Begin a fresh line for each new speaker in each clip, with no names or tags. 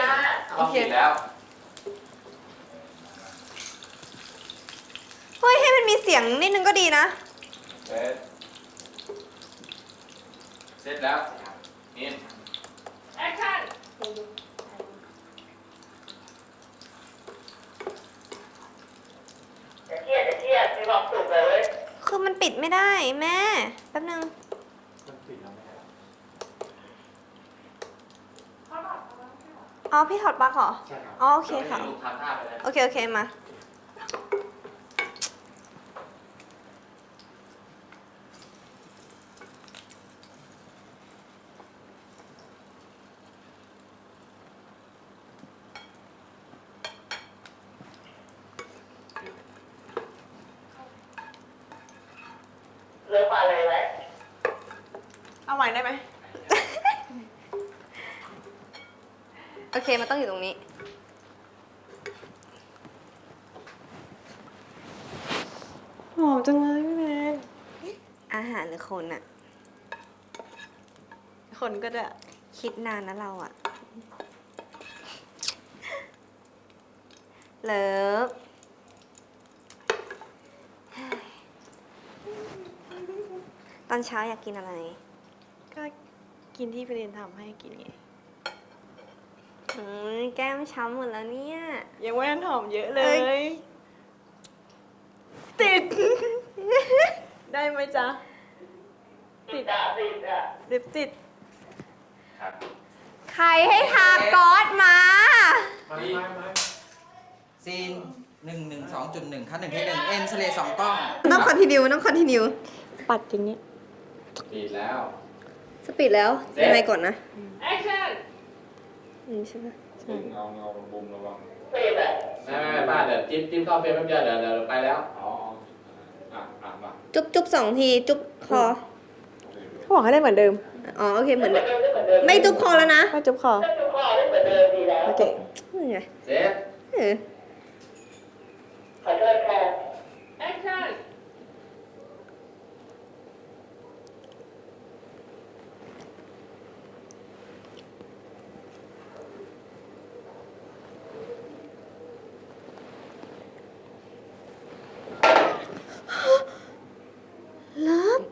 ต้องปิดแล้ว
เฮ้ยให้มันมีเสียงนิดนึงก็ดีนะ
เสร็จแล้วนี่แอคชั่น
จะเครียดมีความสุขเลยเว้ย
คือมันปิดไม่ได้แม่แป๊บนึงอ๋อพี่ถอดปลั๊กเหรออ๋อโอเคค่ะ
ทำท่าไปเลย
โอเคโอเคมา
เลิกมาเลยไหม
เอาใหม่ได้ไหม
โอเคมันต้องอยู่ตรงนี้
หอมจังเลยพี่แมน
อาหารหรือคนอะ
คนก็จะ
คิดนานนะเราอะเลิฟตอนเช้าอยากกินอะไร
ก็กินที่พี่เรนทำให้กินไง
แก้มช้ำหมดแล้วเนี่ย
ยังไม่ทันหอมเยอะเล
เอ้
ย ติด ได้ไหมจ๊ะ
ติดอ่ะ
ลิปติด
ครับ
ใครให้ทาก๊อซมา
ซีน112.1คัด1เทค1เอ็นสเล2กล้อง
ต้องคอนติเนียต้องคอนติเนีย
ปัดอย่างนี้
ปิดแล้ว
สปีดแล้ว
เสร็จ
ยังไงก่อนนะ
แอคชั่น
ใช่ไหม
เงาบุมระวัง
ติดอ่ะ
ไม่ป้าเดี๋ยวจิ้มเข้าเฟรมแป๊บเดียวเดี๋ยวไปแล้วอ๋อมา
จุ๊บสองที จุ๊บคอ
เขาบอกให้ได้เหมือนเดิม
อ๋อโอเคเหมือนเดิมไม่จุ๊บคอแล้วนะ
ไม่จุ๊บคอ
ถ้าทุกข้อได้เหมือนเดิมดีแล้ว
โอเค
นี่ไง
เสร็จ
เออ
ขอโทษค่ะ
แอคชั่น
เลิฟ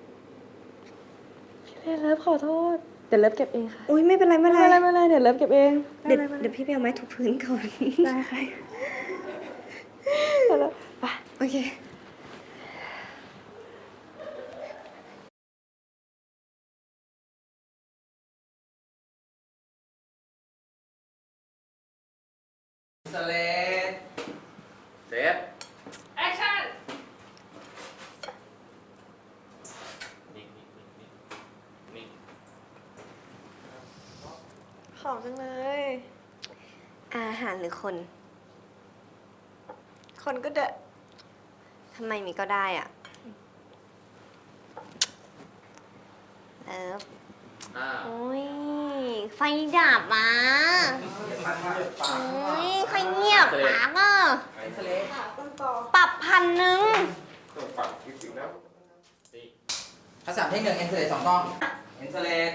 พี่เรนเลิฟขอโทษ เดี๋ยวเลิฟเก็บเองค่ะ
อุ้ยไม่เป็นไรไม่
ไม่
เป็น
เป็นไร
ไร
ไม่เป็นไรเดี๋ยวเลิฟเก็บเอง
เดี๋ยวพี่ไปเอาไม้ถูพื้นก่อน
ได้ค่ะได้แล้วไป
โอเค
สเลด
เสร็จแอคชั่นนิ่ง
หอมจังเลย
อาหารหรือคน
คนก็จะ
ทำไมมีก็ได้อ่ะเลิฟ โอ้ย ไฟดับอ่ะโอ้ยใครเงียบปากอ่ะ
สเลด
ปรับ1,000
คัด3เทค1เอ็นสเลด2กล้องเอ็นสเลด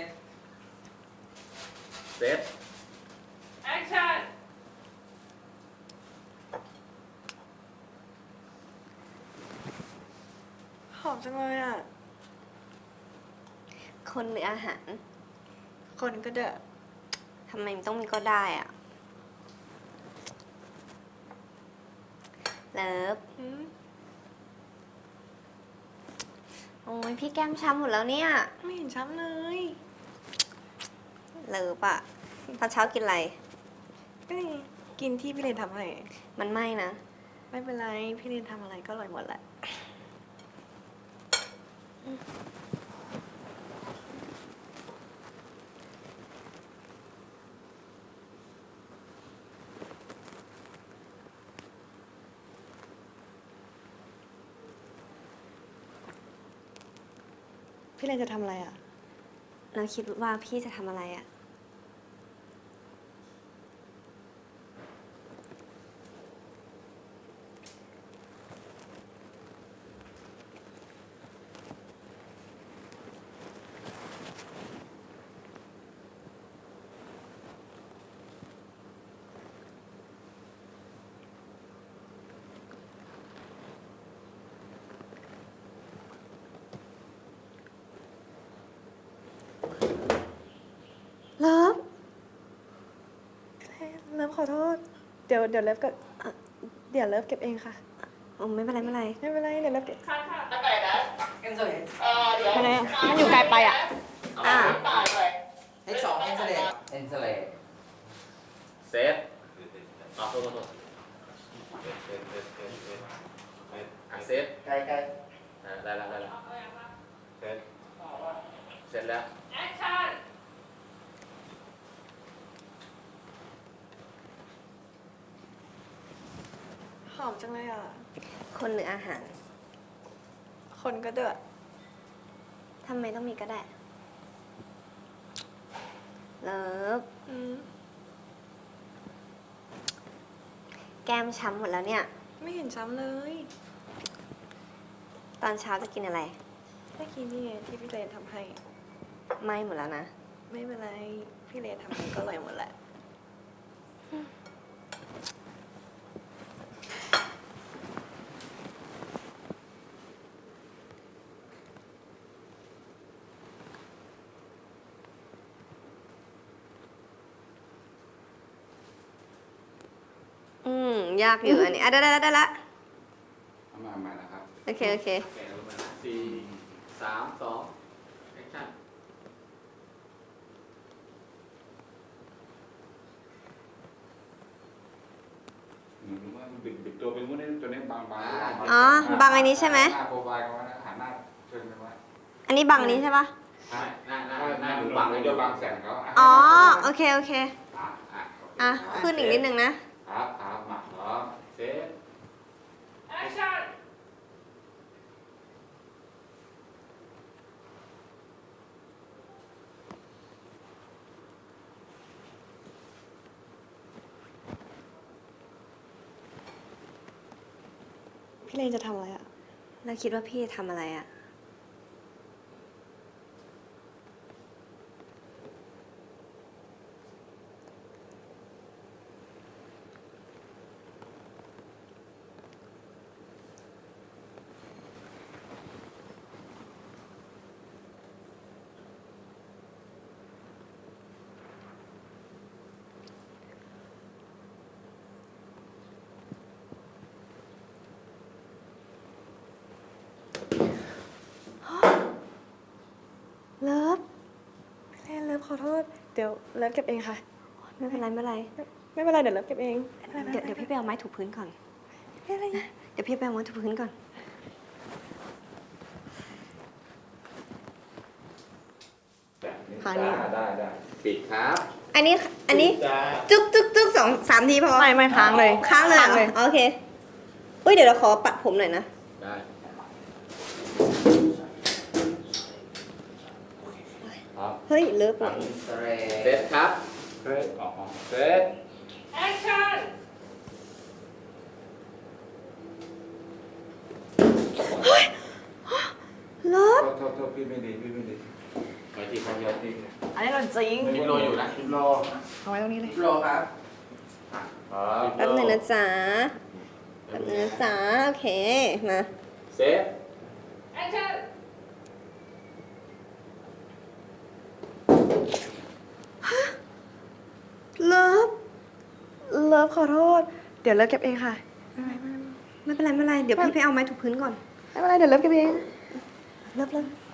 เสร็จแอคชั่น
หอมจังเลยอ่ะ
คนหรืออาหาร
คนก็จะ
ทำไมมันต้องมีก็ได้อ่ะ เลิฟ
หืม
โอ้ยพี่แก้มช้ำหมดแล้วเนี่ย
ไม่เห็นช้ำเลย
เลิฟอ่ะตอนเช้ากินอะไร
ก็นี่กินที่พี่เรนทำให้
มันไม่นะ
ไม่เป็นไร พี่เรนทำอะไรก็อร่อยหมดแหละ พี่เรนจะทำอะไรอ่ะ
เราคิดว่าพี่จะทำอะไรอ่ะ
เลิฟขอโทษ เดี๋ยวเลิฟก็เดี๋ยวเลิฟเก็บเองค่ะ
โอ้ไม่เป็นไรไม่เป็นไร
ไม่เป็นไรเดี๋ยวเลิฟเก็บ
ค่ะตั้งแต่นะ
เอ็นโซเลต
เดี๋ยว
ไม่เป็นไรมันอยู่ไกลไปอ่ะ
อ่ะ
ตายไป
เอ็นสองเอ็นโซเลตเอ็นโซเลต
เซตโทษเซต
ใกล้ใกล้
ได้แล้วเซตเสร็จแล้ว
แอคชั่น
หอมจังเลยอ่ะ
คนหรืออาหาร
คนก็เดือด
ทำไมต้องมีก็ได้ เลิฟ แก้มช้ำหมดแล้วเนี่ย
ไม่เห็นช้ำเลย
ตอนเช้าจะกินอะไร
เมื่อกี้นี่ไงที่พี่เลนทำให้
ไม่หมดแล้วนะ
ไม่เป็นไร พี่เลนทำให้ก็อร่อยหมดแหละ
ยากอยู่อันนี้ได้ละ
มานะครับ
โอเค
4 3 2แอคชั่น
บิดตัวเป็นมุ้งนี่ตัวนี้บาง
อ๋อ บังอันนี้ใช่ไหม
หน้าโปรไฟล์เขานะหันหน้าเชิญไปไว้
อันนี้บังอันนี้ใช่ปะ
หน้า
ห
ดู
นู
บั
บั
ง
ง
เล
เลย ย
เดี๋
เดี๋
ย
ยว ว
บั
บาง งแสงเขา
อ๋อ โอเค
อ่ะ
ขึ้นอีกนิดนึงนะ
ครับมาพร้อม
เซต
แอคชั่น
พี่เลนจะทำอะไรอ่ะ
แล้วคิดว่าพี่ทำอะไรอ่ะ
เลิฟ พี่เลนเลิฟขอโทษ เดี๋ยวเลิฟเก็บเองค่ะ
ไม่เป็นไรไม่เป็นไร
ไม่เป็นไรเดี๋ยวเลิฟเก็บเอง
เดี๋ยวพี่ไปเอาไม้ถูพื้นก่อน
ไม่เป็นไร
เดี๋ยวพี่ไปเอาไม้ถูพื้นก่อน ทางนี้
ได้
ปิดครับ
อันนี้จุก2-3 ทีพอ
ไม่ค้างเลย
ค้างเลยเหรออ๋อโอเค อุ้ยเดี๋ยวเราขอปัดผมหน่อยนะ
ได้
ครับ
เฮ้ยเลิฟอ่ะ
เอ็นโซเล
เซ
ต
ตครับ
เฮ้ยอ๋อเซต
แอคชั่น
เลิฟ
โทษพี่ไม่ดีไปที่เขาเยอะจริง
อันนี้เราจริง
คลิปโลอยู่นะ
คลิปโล
เอาไว้ตรงนี้เลย
โลครับ
ครับ
แป๊บหนึ่งนะจ๊ะ โอเค มา
เซต
แอคชั่น
เลิฟ เลิฟขอโทษ เดี๋ยวเลิฟเก็บเองค่ะ
ไม่เป็นไร เดี๋ยวพี่ไปเอาไม้ถูพื้นก่อน
ไม่เป็นไรเดี๋ยวเลิฟเก็บเอง
เลิฟ